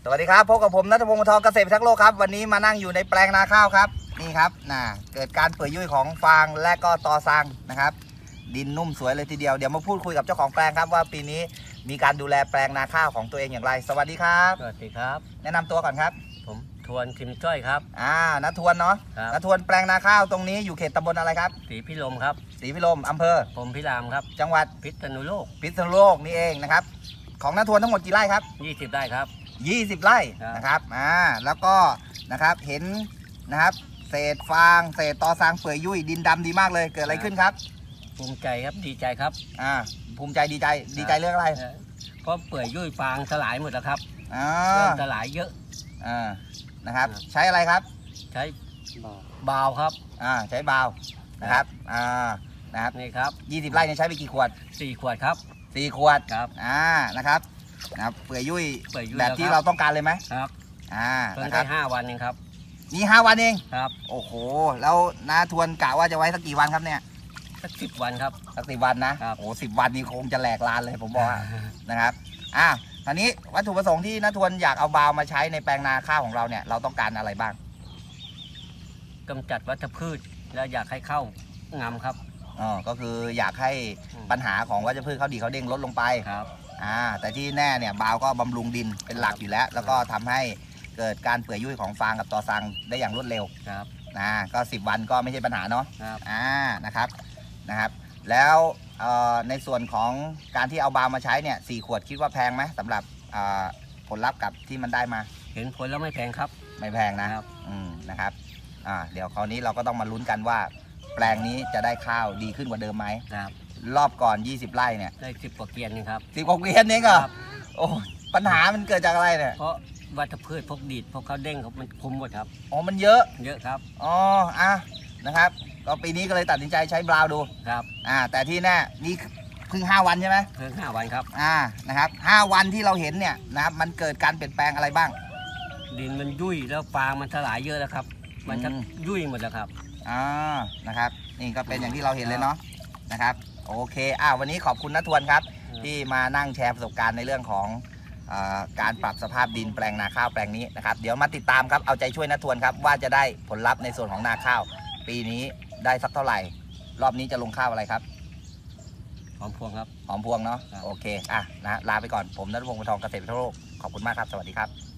สวัสดีครับพบกับผมณัฐพงศ์ วงศ์ทองเกษตรพิทักษ์โลกครับวันนี้มานั่งอยู่ในแปลงนาข้าวครับนี่ครับเกิดการเปื่อยยุ่ยของฟางและก็ตอซังนะครับดินนุ่มสวยเลยทีเดียวเดี๋ยวมาพูดคุยกับเจ้าของแปลงครับว่าปีนี้มีการดูแลแปลงนาข้าวของตัวเองอย่างไรสวัสดีครับสวัสดีครับแนะนำตัวก่อนครับผมทวนทิมจ้อยครับณทวนเนาะครับณทวนแปลงนาข้าวตรงนี้อยู่เขตตำบลอะไรครับศรีพิรมครับศรีพิรมอำเภอผมพิรามครับจังหวัดพิษณุโลกพิษณุโลกนี่เองนะครับของณทวนทั้งหมดกี่ไร่ครับ 20 ได้ครับ 20 ไร่นะครับแล้วก็นะครับเห็นนะครับเศษฟางเศษตอซางเปื่อยยุ่ยดินดำดีมากเลยเกิดอะไรขึ้นครับภูมิใจครับดีใจครับภูมิใจดีใจเรื่องอะไรเพราะเปื่อยยุ่ยฟางสลายหมดแล้วครับเริ่มสลายเยอะนะครับใช้อะไรครับใช้บาวครับใช้บาวนะครับนะครับนี่ครับ 20 ไร่นี่ใช้ไปกี่ขวด 4 ขวดครับ 4 ขวดครับนะครับเปื่อยยุ่ยแบบที่เราต้องการเลยไหมครับเพิ่งได้ 5 วันเองครับนี่5 วันเองครับโอ้โหแล้วน้าทวนกะว่าจะไว้สักกี่วันครับเนี่ยสัก10 วันครับสัก10 วันนะโอ้10 วันนี่คงจะแหลกลานเลยผมบอกนะครับคราวนี้วัตถุประสงค์ที่น้าทวนอยากเอาบาวมาใช้ในแปลงนาข้าวของเราเนี่ยเราต้องการอะไรบ้างกำจัดวัชพืชแล้วอยากให้เข้างามครับก็คืออยากให้ปัญหาของวัชพืชเขาดีเขาเด้งลดลงไปครับแต่ที่แน่เนี่ยบาวก็บำรุงดินเป็นหลักอยู่แล้วแล้วก็ทำให้เกิดการเปื่อยยุ่ยของฟางกับตอซังได้อย่างรวดเร็วครับก็10 วันก็ไม่ใช่ปัญหาเนาะครับนะครับแล้วในส่วนของการที่เอาบาวมาใช้เนี่ย4 ขวดคิดว่าแพงไหมสำหรับผลลัพธ์กับที่มันได้มาเห็นผลแล้วไม่แพงครับไม่แพงนะครับนะครับเดี๋ยวคราวนี้เราก็ต้องมาลุ้นกันว่าแปลงนี้จะได้ข้าวดีขึ้นกว่าเดิมไหมครับรอบก่อน20 ไร่เนี่ยได้10 กว่าเกวียนนี่ครับ 10 กว่าเกวียนเองเหรอโอ้ปัญหามันเกิดจากอะไรเนี่ยเพราะวัชพืชพวกดีดพวกเขาเด้งมันคุมหมดครับมันเยอะครับนะครับก็ปีนี้ก็เลยตัดสินใจใช้บราวดูครับแต่ที่แน่นี่เพิ่ง5 วันใช่ไหมเพิ่ง5 วันครับนะครับ5 วันที่เราเห็นเนี่ยนะครับมันเกิดการเปลี่ยนแปลงอะไรบ้างดินมันยุ่ยแล้วฟางมันสลายเยอะแล้วครับมันจะยุ่ยหมดแล้วครับนะครับนี่ก็เป็นอย่างที่เราเห็นเลยเนาะนะครับโอเควันนี้ขอบคุณณทวนครับที่มานั่งแชร์ประสบการณ์ในเรื่องของการปรับสภาพดินแปลงนาข้าวแปลงนี้นะครับเดี๋ยวมาติดตามครับเอาใจช่วยณทวนครับว่าจะได้ผลลัพธ์ในส่วนของนาข้าวปีนี้ได้สักเท่าไหร่รอบนี้จะลงข้าวอะไรครับหอมพวงครับหอมพวงเนาะโอเคนะลาไปก่อนผมณัฐพงศ์ วงศ์ทองเกษตรพิทักษ์โลกขอบคุณมากครับสวัสดีครับ